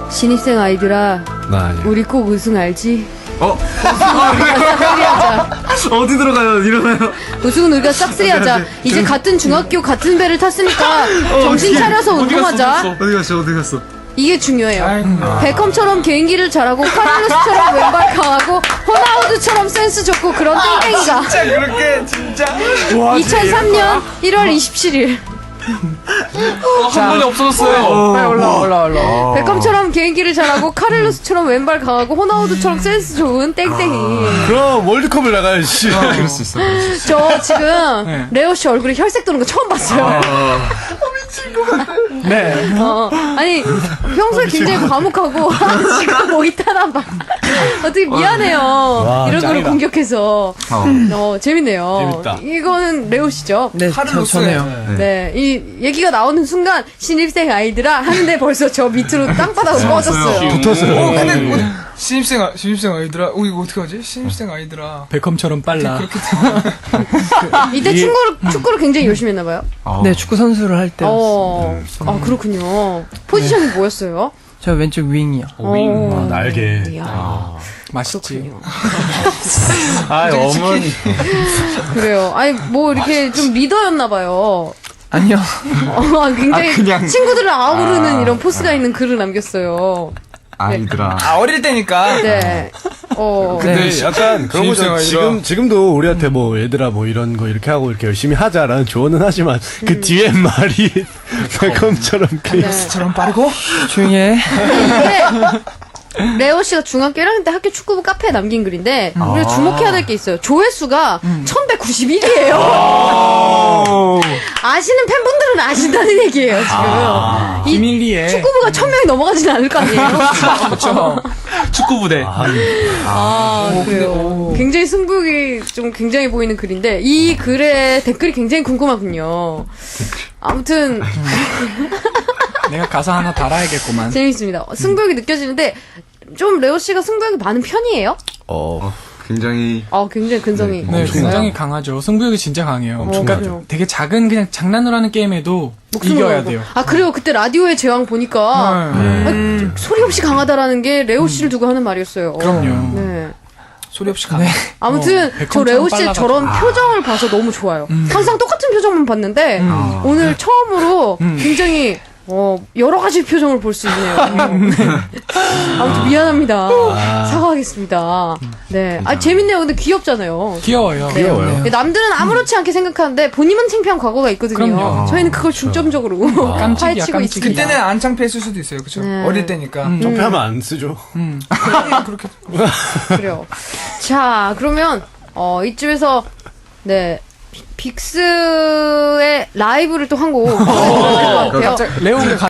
신입생 아이들아, 나 아니야. 우리 꼭 우승 알지? 어디 들어가요? 일어나요. 우승은 우리가 싹쓸이 하자. 이제 같은 중학교 같은 배를 탔으니까 정신 차려서 운동하자. 어디 갔어? 이게 중요해요. 베컴처럼 개인기를 잘하고 카를로스처럼 왼발 강하고 호나우두처럼 센스 좋고 그런 땡땡이가 진짜 그렇게, 진짜. 와, 2003년 1월 27일 한 번에 없어졌어요. 빨리 올라. 베컴처럼 개인기를 잘하고 카를로스처럼 왼발 강하고 호나우두처럼 센스 좋은 땡땡이. 그럼 월드컵을 나가야지. 그럴 수 있어. 저 지금 레오 씨 얼굴에 혈색 도는 거 처음 봤어요. 네. 아니 평소에 굉장히 과묵하고 지금 목이 타나 봐. 어떻게 미안해요. 이런 걸로 짱이다. 공격해서. 재밌네요. 재밌다. 이거는 레오 씨죠? 네, 저네요. 네, 이 얘기가 나오는 순간 신입생 아이들아 하는데 벌써 저 밑으로 땅바닥으로 꺼졌어요. 붙었어요. 근데 신입생 아이들아. 이거 어떻게 하지? 신입생 아이들아. 베컴처럼 빨라. 이때 축구를 굉장히 열심히 했나 봐요. 네, 축구 선수를 할 때. 아 그렇군요. 포지션이 뭐였어요? 저 왼쪽 윙이요. 날개. 이야, 맛있지. 그렇군요. 어머니. 그래요. 아니 뭐 이렇게 좀 리더였나 봐요. 아니요. 굉장히 그냥. 친구들을 아우르는 이런 포스가 있는 글을 남겼어요. 아이들아. 어릴 때니까. 네. 근데 약간 그런 신입생 거죠. 지금도 우리한테 뭐 얘들아 뭐 이런 거 이렇게 하고 이렇게 열심히 하자라는 조언은 하지만 그 뒤에 말이 베컴처럼 처럼 빠르고. 조용히 해. 근데 레오 씨가 중학교 1학년 때 학교 축구부 카페에 남긴 글인데 우리가 주목해야 될 게 있어요. 조회수가 1191이에요. 아시는 팬분들은 아신다는 얘기예요, 지금. 이 비밀리에. 축구부가 1000명이 넘어가지는 않을 거 아니에요? 그렇죠. 축구 부대. 그래요. 굉장히 승부욕이 좀 굉장히 보이는 글인데 이 글의 댓글이 굉장히 궁금하군요. 아무튼 내가 가사 하나 달아야겠구만. 재밌습니다. 승부욕이 느껴지는데 좀 레오 씨가 승부욕이 많은 편이에요? 굉장히. 굉장히 근성이. 네, 있어요? 굉장히 강하죠. 승부욕이 진짜 강해요. 그러니까 그래요. 되게 작은 그냥 장난으로 하는 게임에도 이겨야 돼요. 그래요. 그때 라디오의 제왕 보니까 소리 없이 강하다라는 게 레오 씨를 두고 하는 말이었어요. 그럼요. 네. 소리 없이 가네. 아무튼 저 백컴처럼 레오 씨의 빨라가지고. 저런 표정을 봐서 너무 좋아요. 항상 똑같은 표정만 봤는데 오늘 처음으로 굉장히 여러 가지 표정을 볼 수 있네요. 아무튼 미안합니다. 사과하겠습니다. 네. 재밌네요. 근데 귀엽잖아요. 귀여워요. 네. 네, 남들은 아무렇지 않게 생각하는데 본인은 창피한 과거가 있거든요. 그럼요. 저희는 그걸 중점적으로 깜찍이야, 파헤치고 깜찍이야. 있습니다. 그때는 안 창피했을 수도 있어요. 그쵸? 네. 어릴 때니까. 점프하면 안 쓰죠. 그렇게. 그래요. 자, 그러면 이쯤에서 네. 빅스의 라이브를 또 한 곡 들어야 될 것 같아요. 레오가